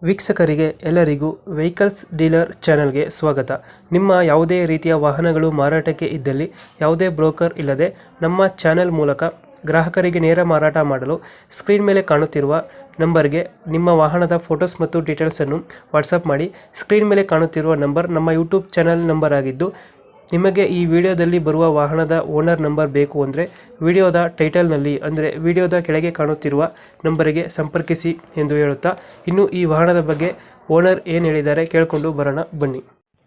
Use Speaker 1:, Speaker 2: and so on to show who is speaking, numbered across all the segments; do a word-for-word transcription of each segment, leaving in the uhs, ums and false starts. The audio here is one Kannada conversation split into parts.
Speaker 1: ವೀಕ್ಷಕರಿಗೆ ಎಲ್ಲರಿಗೂ ವೆಹಿಕಲ್ಸ್ ಡೀಲರ್ ಚಾನೆಲ್ಗೆ ಸ್ವಾಗತ. ನಿಮ್ಮ ಯಾವುದೇ ರೀತಿಯ ವಾಹನಗಳು ಮಾರಾಟಕ್ಕೆ ಇದ್ದಲ್ಲಿ ಯಾವುದೇ ಬ್ರೋಕರ್ ಇಲ್ಲದೆ ನಮ್ಮ ಚಾನೆಲ್ ಮೂಲಕ ಗ್ರಾಹಕರಿಗೆ ನೇರ ಮಾರಾಟ ಮಾಡಲು ಸ್ಕ್ರೀನ್ ಮೇಲೆ ಕಾಣುತ್ತಿರುವ ನಂಬರ್ಗೆ ನಿಮ್ಮ ವಾಹನದ ಫೋಟೋಸ್ ಮತ್ತು ಡೀಟೇಲ್ಸನ್ನು ವಾಟ್ಸಪ್ ಮಾಡಿ. ಸ್ಕ್ರೀನ್ ಮೇಲೆ ಕಾಣುತ್ತಿರುವ ನಂಬರ್ ನಮ್ಮ ಯೂಟ್ಯೂಬ್ ಚಾನೆಲ್ ನಂಬರ್ ಆಗಿದ್ದು, ನಿಮಗೆ ಈ ವಿಡಿಯೋದಲ್ಲಿ ಬರುವ ವಾಹನದ ಓನರ್ ನಂಬರ್ ಬೇಕು ಅಂದರೆ ವಿಡಿಯೋದ ಟೈಟಲ್ನಲ್ಲಿ ಅಂದರೆ ವಿಡಿಯೋದ ಕೆಳಗೆ ಕಾಣುತ್ತಿರುವ ನಂಬರಿಗೆ ಸಂಪರ್ಕಿಸಿ ಎಂದು ಹೇಳುತ್ತಾ, ಇನ್ನು ಈ ವಾಹನದ ಬಗ್ಗೆ ಓನರ್ ಏನು ಹೇಳಿದ್ದಾರೆ ಕೇಳಿಕೊಂಡು ಬರೋಣ ಬನ್ನಿ.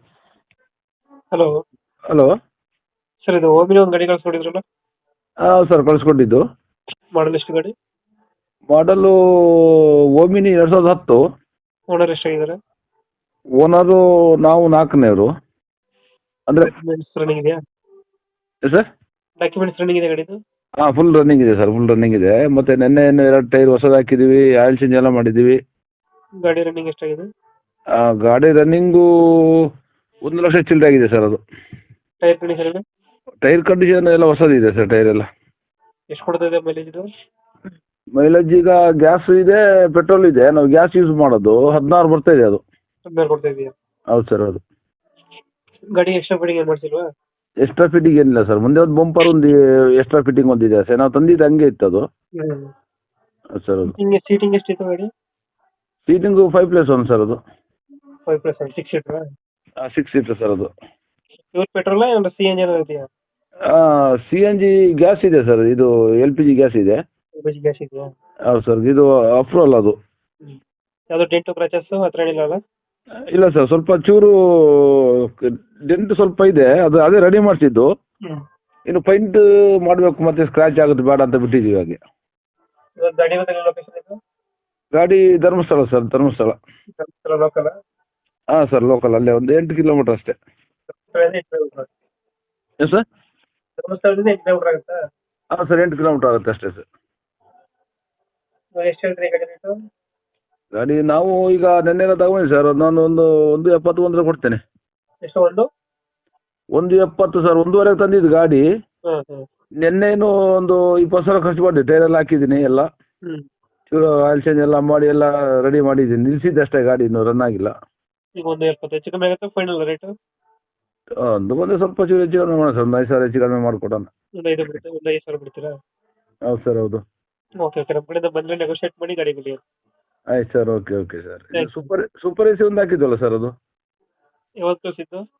Speaker 1: Hello
Speaker 2: hello.
Speaker 1: ಸರ್, ಇದು ಓಮಿನಿ ಒಂದು ಗಾಡಿ ಕಳಿಸ್ಕೊಡಿದ್ರಲ್ಲ,
Speaker 2: ಹಾಂ ಸರ್, ಕಳಿಸ್ಕೊಟ್ಟಿದ್ದು.
Speaker 1: ಮಾಡಲ್ ಎಷ್ಟು ಗಾಡಿ?
Speaker 2: ಮಾಡಲು ಓಮಿನಿ ಎರಡು ಸಾವಿರದ ಹತ್ತು.
Speaker 1: ಓನರ್ ಎಷ್ಟಾಗಿದ್ದಾರೆ?
Speaker 2: ಓನರು ನಾವು ನಾಲ್ಕನೇವರು. ಅಂದರೆ
Speaker 1: ಡಾಕ್ಯುಮೆಂಟ್ಸ್ ರನ್ನಿಂಗ್ ಇದೆಯಾ?
Speaker 2: ಸರ್,
Speaker 1: ಡಾಕ್ಯುಮೆಂಟ್ಸ್ ರನ್ನಿಂಗ್ ಇದೆ ಗಾಡಿದು?
Speaker 2: ಹಾಂ, ಫುಲ್ ರನ್ನಿಂಗ್ ಇದೆ ಸರ್, ಫುಲ್ ರನ್ನಿಂಗ್ ಇದೆ. ಮತ್ತು ನೆನ್ನೆ ಏನು ಎರಡು ಟೈರ್ ಹೊಸದು ಹಾಕಿದ್ದೀವಿ, ಆಯಿಲ್ ಚೇಂಜ್ ಎಲ್ಲ ಮಾಡಿದ್ದೀವಿ.
Speaker 1: ಗಾಡಿ ರನ್ನಿಂಗ್ ಎಷ್ಟಾಗಿದೆ?
Speaker 2: ಆ, ಗಾಡಿ ರನ್ನಿಂಗು ಒಂದು ಲಕ್ಷ ಚಿಲ್ಲರೆ ಆಗಿದೆ ಸರ್. ಅದು
Speaker 1: ಟೈರ್ ಕಂಡೀಷನ್
Speaker 2: ಟೈರ್ ಕಂಡೀಷನ್ ಎಲ್ಲ ಹೊಸದಿದೆ ಸರ್, ಟೈರ್ ಎಲ್ಲ.
Speaker 1: ಎಷ್ಟು ಕೊಡ್ತಾ ಇದೆ ಮೈಲೇಜ್ ಇದು?
Speaker 2: ಮೈಲೇಜ್ ಈಗ ಗ್ಯಾಸ್ ಇದೆ, ಪೆಟ್ರೋಲ್ ಇದೆ. ನಾವು ಗ್ಯಾಸ್ ಯೂಸ್ ಮಾಡೋದು, ಹದಿನಾರು ಬರ್ತಾ ಇದೆ ಅದು.
Speaker 1: ಹದಿನಾರು ಕೊಡ್ತಾ ಇದೆಯಾ?
Speaker 2: ಹೌದು ಸರ್. ಹೌದು.
Speaker 1: ಗಾಡಿ ಎಕ್ಸ್ಟ್ರಾ ಫಿಟ್ಟಿಂಗ್ ಏನು ಮಾಡ್ಸಿಲ್ವಾ?
Speaker 2: ಎಕ್ಸ್ಟ್ರಾ ಫಿಟ್ಟಿಂಗ್ ಏನಿಲ್ಲ ಸರ್. ಮುಂದೆ ಒಂದು ಬಂಪರ್ ಒಂದು ಎಕ್ಸ್ಟ್ರಾ ಫಿಟ್ಟಿಂಗ್ ಒಂದಿದೆ ಸರ್. ನಾವು ತಂದಿದ್ದು ಹಂಗೆ ಇತ್ತು ಅದು. ಹೌದು ಸರ್. ಅದು
Speaker 1: ಹಿಂಗೆ ಸೀಟಿಂಗ್ ಎಷ್ಟಿತ್ತು ಗಾಡಿ?
Speaker 2: Seating five plus one sir. ಅದು
Speaker 1: ಫೈವ್ ಪ್ಲಸ್ ಒನ್ ಸಿಕ್ಸ್ ಸೀಟ್ರಾ?
Speaker 2: Six seater sir. ಅದು
Speaker 1: ಪ್ಯೂರ್ ಪೆಟ್ರೋಲ್ ಏನಾದ್ರು ಸಿ ಎನ್ ಜಿ ಏನಾದ್ರು ಇದೆಯಾ?
Speaker 2: ಸಿ ಎನ್ ಜಿ ಗ್ಯಾಸ್ ಇದೆ ಸರ್. ಇದು ಎಲ್ ಪಿ ಜಿ ಗ್ಯಾಸ್ ಇದೆ.
Speaker 1: ಎಲ್ ಪಿ ಜಿ ಗ್ಯಾಸ್ ಇದೆಯಾ?
Speaker 2: ಹೌದು ಸರ್. ಇದು ಅಪ್ರೂವಲ್ ಅದು.
Speaker 1: ಯಾವುದು ಡೆಂಟು ಕ್ರಾಚಸ್ ಹತ್ರ ಏನಿಲ್ಲ ಅಲ್ಲ?
Speaker 2: ಇಲ್ಲ ಸರ್, ಸ್ವಲ್ಪ ಚೂರು ಡೆಂಟ್ ಸ್ವಲ್ಪ ಇದೆ. ಅದು ಅದೇ ರೆಡಿ ಮಾಡಿಸಿದ್ದು. ಇನ್ನು ಪೈಂಟ್ ಮಾಡಬೇಕು, ಮತ್ತೆ ಸ್ಕ್ರಾಚ್ ಆಗುತ್ತೆ ಬೇಡ ಅಂತ ಬಿಟ್ಟಿದ್ದೀವಿ ಹಾಗೆ.
Speaker 1: ಇವತ್ತು ಗಾಡಿ ಇವತ್ತು ಲೊಕೇಶನ್ ಇದು?
Speaker 2: ಗಾಡಿ ಧರ್ಮಸ್ಥಳ ಸರ್, ಧರ್ಮಸ್ಥಳ.
Speaker 1: ಧರ್ಮಸ್ಥಳ ಲೋಕಲ್?
Speaker 2: ಹಾಂ ಸರ್, ಲೋಕಲ್. ಅಲ್ಲೇ ಒಂದು ಎಂಟು ಕಿಲೋಮೀಟರ್ ಅಷ್ಟೇ. ಏನು ಸರ್?
Speaker 1: ಧರ್ಮಸ್ಥಳದಿಂದ ಎಂಟು ಕಿಲೋಮೀಟರ್ ಆಗುತ್ತಾ?
Speaker 2: ಹಾಂ ಸರ್, ಎಂಟು ಕಿಲೋಮೀಟರ್ ಆಗುತ್ತೆ ಅಷ್ಟೇ ಸರ್.
Speaker 1: ಎಷ್ಟು ಹೇಳ್ತೀರಿ ಗಾಡಿ ರೇಟು?
Speaker 2: ಗಾಡಿ ನಾವು ಈಗ ನೆನ್ನೆಲ್ಲ ತಗೊಂಡು ಸರ್, ನಾನು ಒಂದು ಒಂದು ಎಪ್ಪತ್ತು ಒಂದರ ಕೊಡ್ತೇನೆ.
Speaker 1: ಎಷ್ಟು? ಒಂದು
Speaker 2: ಒಂದು ಎಪ್ಪತ್ತು ಸರ್. ಒಂದೂವರೆಗೆ ತಂದಿದ್ದು ಗಾಡಿ.
Speaker 1: ಹಾಂ ಹಾಂ.
Speaker 2: ನೆನ್ನೆನು ಒಂದು ಇಪ್ಪತ್ತು ಸಾವಿರ ಖರ್ಚು ಮಾಡಿದೆ. ಟೈರ್ ಎಲ್ಲ ಹಾಕಿದ್ದೀನಿ ಎಲ್ಲ.
Speaker 1: ಹ್ಞೂ.
Speaker 2: ಚೂರು ಆಯಿಲ್ ಚೇಂಜ್ ಎಲ್ಲ ಮಾಡಿ ಎಲ್ಲ ರೆಡಿ ಮಾಡಿದ್ದೀನಿ. ನಿಲ್ಸಿದ್ದೆ ಅಷ್ಟೇ, ಗಾಡಿ ಇನ್ನೂ ರನ್ ಆಗಿಲ್ಲ.
Speaker 1: ಈಗ ಒಂದು ಎಪ್ಪತ್ತು ಹೆಚ್ಚು ಕಮ್ಮಿ ಆಗುತ್ತೆ ಫೈನಲ್ ರೇಟು?
Speaker 2: ಒಂದು ಬಂದು ಸ್ವಲ್ಪ ಚೂರು ಹೆಚ್ಚು ಕಡಿಮೆ ಮಾಡೋಣ ಸರ್. ಒಂದು ಐದು ಸಾವಿರ ಹೆಚ್ಚು ಕಡಿಮೆ ಮಾಡಿಕೊಡೋಣ.
Speaker 1: ಒಂದು ಐದು ಬಿಡುತ್ತೆ, ಒಂದು ಐದು ಸಾವಿರ ಬಿಡ್ತೀರಾ?
Speaker 2: ಹೌದು ಸರ್. ಹೌದು.
Speaker 1: Okay okay. ನಮ್ಮ ಕಡೆಯಿಂದ ಬಂದರೆ ನೆಗೋಷಿಯೇಟ್ ಮಾಡಿ ಗಾಡಿ ಬಿಡಿ.
Speaker 2: ಆಯ್ತು sir. Okay okay sir. Super super A C ಒಂದು ಹಾಕಿದ್ವಲ್ಲ ಸರ್, ಅದು
Speaker 1: ಯಾವತ್ತು ಕಳಿಸಿದ್ದು?